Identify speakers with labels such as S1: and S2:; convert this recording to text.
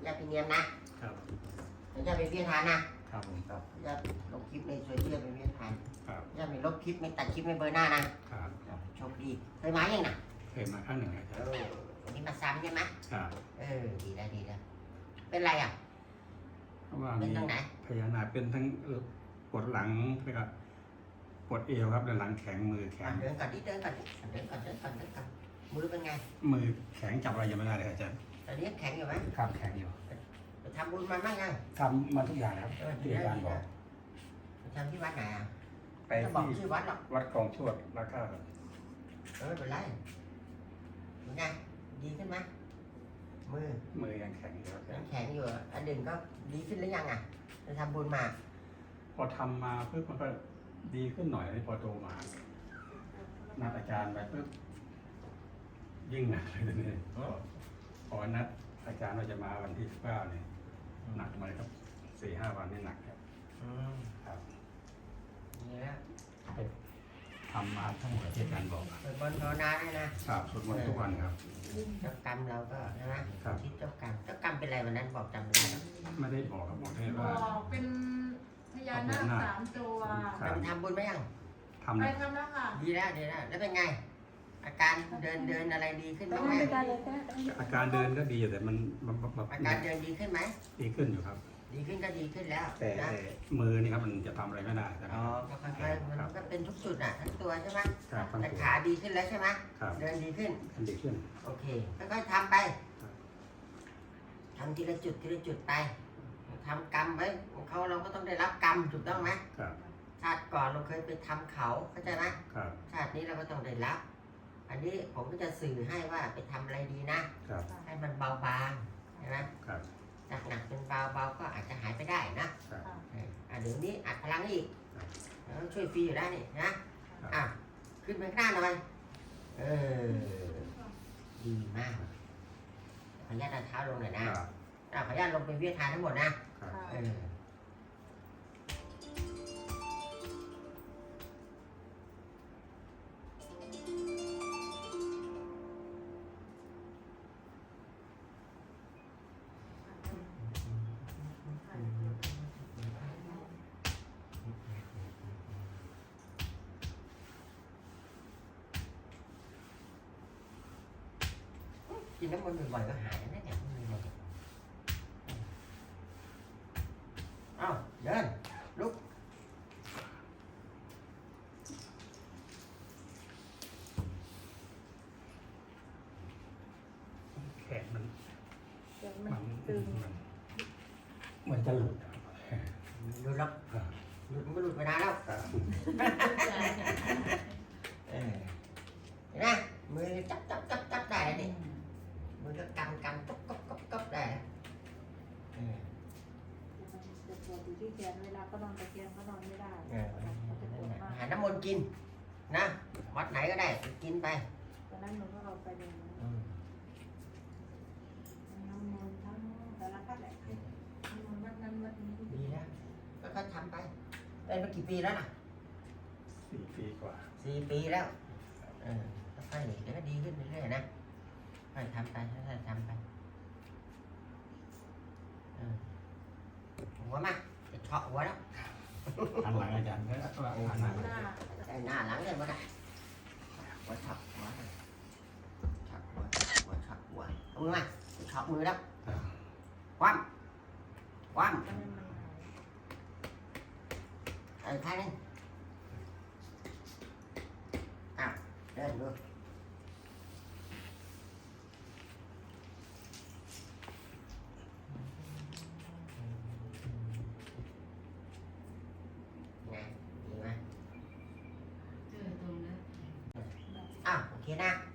S1: อย่าไปเนียนนะครับอย่าไปเพี้ยนทานนะครับ
S2: ผมครับ
S1: อย่าลบคลิปในโซเชียลไปเพี้ยนทาน
S2: ครับ
S1: อย่าไปลบคลิปไม่ตัดคลิปไม่เบอร์หน้านะครับ โชคดีเคยมายังนะ
S2: เคยมาครั้งหนึ่งอาจารย์
S1: วันนี้มาซ้ำใช่ไหม
S2: ครับ
S1: ดีแล้วดีแล้วเป็นไรอ่ะ
S2: เพราะว่า
S1: เป็น
S2: มี
S1: ตรงไหน
S2: พญานาคเป็นทั้งปวดหลังแล้วก็ปวดเอวครับแล้วหลังแข็งมือแข็ง
S1: เดินก่อนดิเดินก่อนมือเป็นไง
S2: มือแข็งจับอะไรยังไม่ได้เลยอาจารย์
S1: ตอนนี้แข็งอยู่ไหม
S2: ครับแข็งอยู่
S1: ไปทำบุญมาบ้างยัง
S2: ทำมาทุกอย่างครับที่อาจารย์บอก
S1: ไปทำที่วัดไหนอ่ะ
S2: ไป
S1: จะบอก
S2: ที่
S1: ชื่อวัดหรอก
S2: วัดคลองชวดแล้วก็
S1: ไม่เป็นไรเป็นไงดีขึ้นไหมมือ
S2: ยังแข็งอยู่ครับอาจา
S1: ยั
S2: รง ย์
S1: แข็งอยู่อันหนึ่งก็ดีขึ้นหรือยังอ่ะไปทำบุญมา
S2: พอทำมาปุ๊บมันก็ดีขึ้นหน่อยพอโตมานัดอาจารย์ไปปุ๊บยิ่งหนักเลยทีนี้พอนัดอาจารย์ว่าจะมาวันที่19เนี่ยหนักมาเลยครับ4-5 วันนี่หนักครับครับ
S1: นี่แล้ว
S2: ไปทำมาทั้งหมดที่อาจารย์บอก
S1: เปิดบอลภาวนาด้วยนะครับ
S2: สวดมนต์ทุกวันครับ
S1: เจ้ากรรมเราก็ใช่ไหม
S2: ครับ
S1: คิดเจ้ากรรมเป็นอะไรวันนั้นบอกจำไม่ได้
S2: ไม่ได้บอกครับบอกแค่
S3: บ
S2: ว่า
S3: อกเป็นพญานาค3 ตัว
S2: ครับ
S1: ไปทำบุญไหมยัง
S2: ทำ
S3: ไป
S2: เลย
S3: ทำแล้วค่ะ
S1: ดีแล้วแล้วเป็นไง อาการเดินอะไรดีขึ้นบ้างไหม
S2: อาการเดินก็ดีแต่มันแบบ
S1: อาการเดินดีขึ้นไหม
S2: ดีขึ้นอยู่ครับ
S1: ดีขึ้นก็ดีขึ้นแล้ว
S2: แต่
S1: นะ
S2: มือนี่ครับมันจะทำอะไรไม่ได้ครับ
S1: อ๋อก็ค่อยๆมันก็เป็นทุกจุดอ่ะทั้งตัวใช่ไหม
S2: ครับทั้ง
S1: แต่
S2: ตัว
S1: ขาดีขึ้นแล้วใช่ไหม
S2: ครับ
S1: เดินดีขึ้น
S2: มันดีขึ้น
S1: โอเคค่อยๆทำไป
S2: ครับ
S1: ทำทีละจุดไปทำกรรมไว้ของเขาเราก็ต้องได้รับกรรมถูกต้องไหม
S2: ครับ
S1: ชาติก่อนเราเคยไปทำเขาเข้าใจไหม
S2: ครับ
S1: ชาตินี้เราก็ต้องได้รับ อันนี้ผมก็จะสื่อให้ว่าไปทำอะไรดีนะ
S2: ครับ
S1: ให้มันเบาบางใช่ไหม
S2: ครับ
S1: จากหนักเป็นเบาก็อาจจะหายไปได้นะครับ เดี๋ยวนี้อัดพลังอีก
S2: ครับ
S1: แล้วช่วยฟรีอยู่ได้นี่นะขึ้นไปข้างหน้าหน่อยดีมากขออนุญาตเอาเท้าลงหน่อยนะครับ ขออนุญาตลงเป็นวิทยาทานทั้งหมดนะครับ กินน้ำมันต์บ่อยๆก็หายนะเนี่ยเอ้าเดินลุก
S2: แขนมัน
S3: มันตึง
S2: เหมือนจะหลุดครับ
S1: หลุดแล้ว
S2: ครับ
S1: หลุดมันก็หลุดไปนานแล้ว
S2: ครับ
S1: เห็นไหมมือจับได้แล้วนี่มือก็กำก๊อบได้แล้ว
S3: จะปวดอยู่ที่แขนเวลาก็นอนตะเกียงก็นอนไม่ได้มันจะปวดมาก
S1: หาน้ำมนต์กินนะวัดไหนก็ได้กินไป
S3: ตอนนั้นหนูก็เอาไปเลยน้ำมันทั้งแต่ละพัดแหละน้ำมันวัดนั้นวัดนี้
S1: ดีแล้วก็ทำไปได้มากี่ปีแล้วน่ะ
S2: 4 ปีกว่า
S1: 4 ปีแล้วค่อยๆเดี๋ยวก็ดีขึ้นเรื่อยๆนะค่อยทำไปค่อยๆทำไปหัวมาจะเฉาะหัวแล้ว
S2: หันหลังอาจารย์ก็หันหลัง
S3: หน้า
S1: ใส่หน้าหลังเลยมั้งนะหัวเฉาะหัวเฉาะหัวเฉาะหัวเอามือมาเฉาะมือแล้วคว่ำ
S3: มันหาย
S1: ท่านึงเดินดูไงดีไหมโอเคนะ